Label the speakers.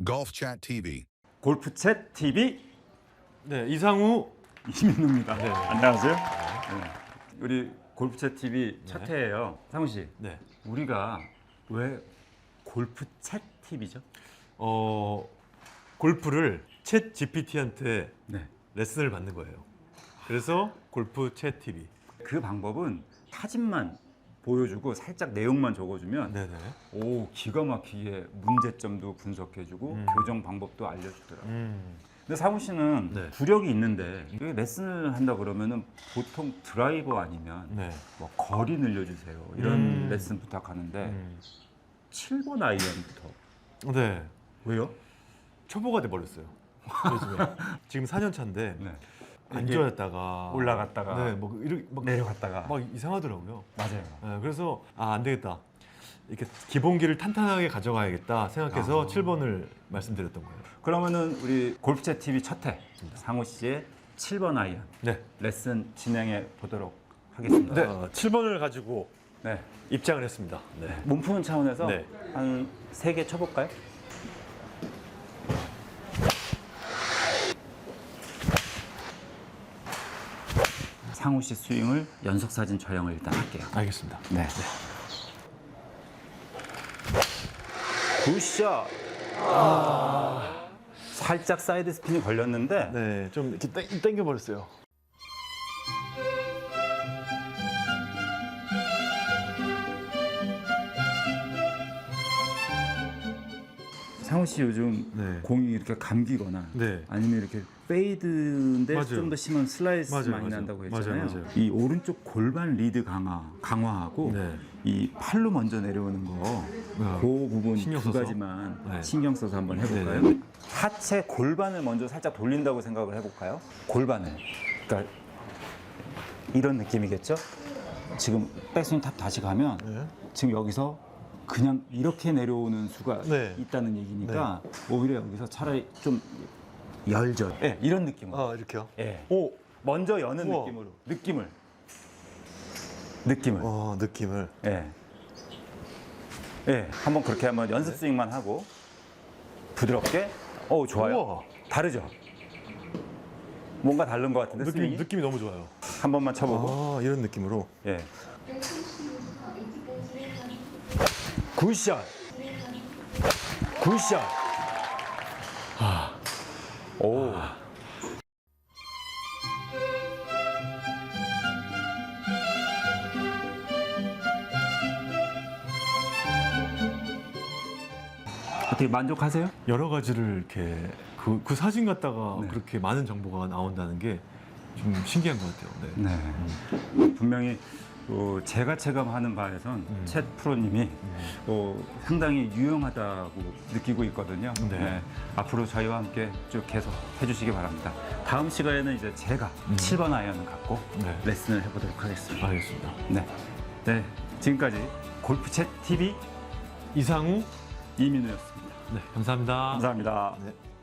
Speaker 1: Golf Chat TV.
Speaker 2: 골프챗 TV
Speaker 3: 네, 이상우.
Speaker 2: 이민우입니다.
Speaker 3: 네.
Speaker 2: 안녕하세요. 네. 우리 골프챗 TV 첫 회예요. 상우 씨,
Speaker 3: 네.
Speaker 2: 우리가 왜 골프챗 TV죠?
Speaker 3: 골프를 챗 GPT한테
Speaker 2: 네.
Speaker 3: 레슨을 받는 거예요. 그래서 골프 챗 TV.
Speaker 2: 그 방법은 사진만 보여주고 살짝 내용만 적어주면
Speaker 3: 네네.
Speaker 2: 오 기가 막히게 문제점도 분석해주고 교정 방법도 알려주더라고요. 근데 상우 씨는
Speaker 3: 네.
Speaker 2: 구력이 있는데 이게 레슨을 한다 그러면은 보통 드라이버 아니면
Speaker 3: 네.
Speaker 2: 뭐 거리 늘려주세요 이런 레슨 부탁하는데 7번 아이언부터
Speaker 3: 네.
Speaker 2: 왜요?
Speaker 3: 초보가 돼버렸어요. 요즘에. 지금 4년 차인데
Speaker 2: 네.
Speaker 3: 안
Speaker 2: 이게
Speaker 3: 좋아졌다가
Speaker 2: 올라갔다가
Speaker 3: 네, 뭐 이렇게 막
Speaker 2: 내려갔다가
Speaker 3: 막 이상하더라고요.
Speaker 2: 맞아요.
Speaker 3: 네, 그래서 안 되겠다. 이렇게 기본기를 탄탄하게 가져가야겠다 생각해서 7번을 말씀드렸던 거예요.
Speaker 2: 그러면은 우리 골프챗 TV 첫회 상우 씨의 7번 아이언
Speaker 3: 네.
Speaker 2: 레슨 진행해 보도록 하겠습니다.
Speaker 3: 7번을 가지고
Speaker 2: 네.
Speaker 3: 입장을 했습니다. 네.
Speaker 2: 몸 푸는 차원에서
Speaker 3: 네.
Speaker 2: 한 3개 쳐볼까요? 상우 씨 스윙을 연속 사진 촬영을 일단 할게요.
Speaker 3: 알겠습니다.
Speaker 2: 네. 굿샷. 살짝 사이드 스핀이 걸렸는데
Speaker 3: 네, 좀 이렇게 당겨 버렸어요.
Speaker 2: 상우 씨 요즘
Speaker 3: 네.
Speaker 2: 공이 이렇게 감기거나
Speaker 3: 네.
Speaker 2: 아니면 이렇게 페이드인데
Speaker 3: 맞아요.
Speaker 2: 좀 더 심한 슬라이스
Speaker 3: 맞아요,
Speaker 2: 많이
Speaker 3: 맞아요.
Speaker 2: 난다고 했잖아요.
Speaker 3: 맞아요.
Speaker 2: 이 오른쪽 골반 리드 강화하고
Speaker 3: 네.
Speaker 2: 이 팔로 먼저 내려오는 거,
Speaker 3: 네.
Speaker 2: 그 부분
Speaker 3: 신경
Speaker 2: 두
Speaker 3: 써서?
Speaker 2: 가지만
Speaker 3: 네.
Speaker 2: 신경 써서 한번 해볼까요?
Speaker 3: 네, 네.
Speaker 2: 하체 골반을 먼저 살짝 돌린다고 생각을 해볼까요? 골반을. 그러니까 이런 느낌이겠죠? 지금 백스윙 탑 다시 가면
Speaker 3: 네.
Speaker 2: 지금 여기서 그냥 이렇게 내려오는 수가
Speaker 3: 네.
Speaker 2: 있다는 얘기니까 오히려 여기서 차라리 좀 열죠. 예, 이런 느낌으로.
Speaker 3: 아, 이렇게요?
Speaker 2: 예.
Speaker 3: 오,
Speaker 2: 먼저 여는
Speaker 3: 우와.
Speaker 2: 느낌으로. 느낌을.
Speaker 3: 느낌을.
Speaker 2: 예. 예. 한번 그렇게 한번 연습 스윙만 하고 부드럽게. 오, 좋아요.
Speaker 3: 우와.
Speaker 2: 다르죠? 뭔가 다른 것 같은데 스윙이?
Speaker 3: 느낌이 너무 좋아요.
Speaker 2: 한 번만 쳐보고.
Speaker 3: 아, 이런 느낌으로.
Speaker 2: 예. 굿샷. 굿샷. 오. 어떻게 만족하세요?
Speaker 3: 여러 가지를 이렇게 그 사진 갖다가
Speaker 2: 네.
Speaker 3: 그렇게 많은 정보가 나온다는 게 좀 신기한 것 같아요. 네.
Speaker 2: 네. 분명히 제가 체감하는 바에선 챗 프로님이 상당히 유용하다고 느끼고 있거든요.
Speaker 3: 네.
Speaker 2: 앞으로 저희와 함께 쭉 계속 해주시기 바랍니다. 다음 시간에는 이제 제가 7번 아이언을 갖고
Speaker 3: 네.
Speaker 2: 레슨을 해보도록 하겠습니다.
Speaker 3: 알겠습니다.
Speaker 2: 네. 네. 지금까지 골프챗 TV
Speaker 3: 이상우.
Speaker 2: 이민우였습니다.
Speaker 3: 네, 감사합니다.
Speaker 2: 감사합니다.
Speaker 3: 네.